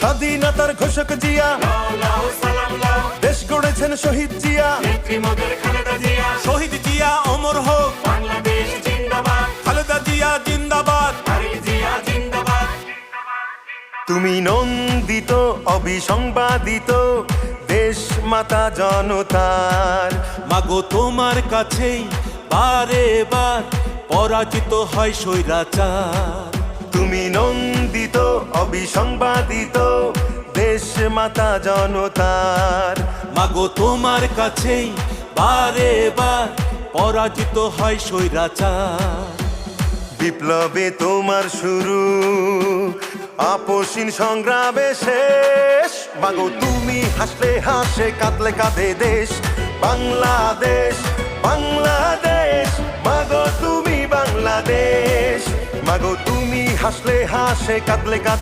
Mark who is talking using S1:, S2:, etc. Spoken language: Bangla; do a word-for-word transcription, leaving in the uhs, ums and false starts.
S1: স্বাধীনতার ঘোষক জিয়া, দেশ গড়েছেন শহীদ জিয়া,
S2: শহীদ জিয়া অমর হোক, খালেদা জিয়া জিন্দাবাদ।
S1: তুমি নন্দিত অবিসংবাদিত দেশ মাতা জনতার।
S2: মাগো তোমার কাছেই বারে বার পরাজিত হয় স্বৈরাচার।
S1: তুমি নন্দিত অবিসংবাদিত দেশ মাতা জনতার।
S2: মাগো তোমার কাছেই বারে বার পরাজিত হয় স্বৈরাচার।
S1: বিপ্লবে তোমার শুরু, আপসীন সংগ্রামে শেষ। মাগো তুমি হাসলে হাসে, কাঁদলে কাঁদে দেশ বাংলাদেশ, বাংলাদেশ। মাগো তুমি বাংলাদেশ, মাগো তুমি হাসলে হাসে, কাঁদলে কাঁদে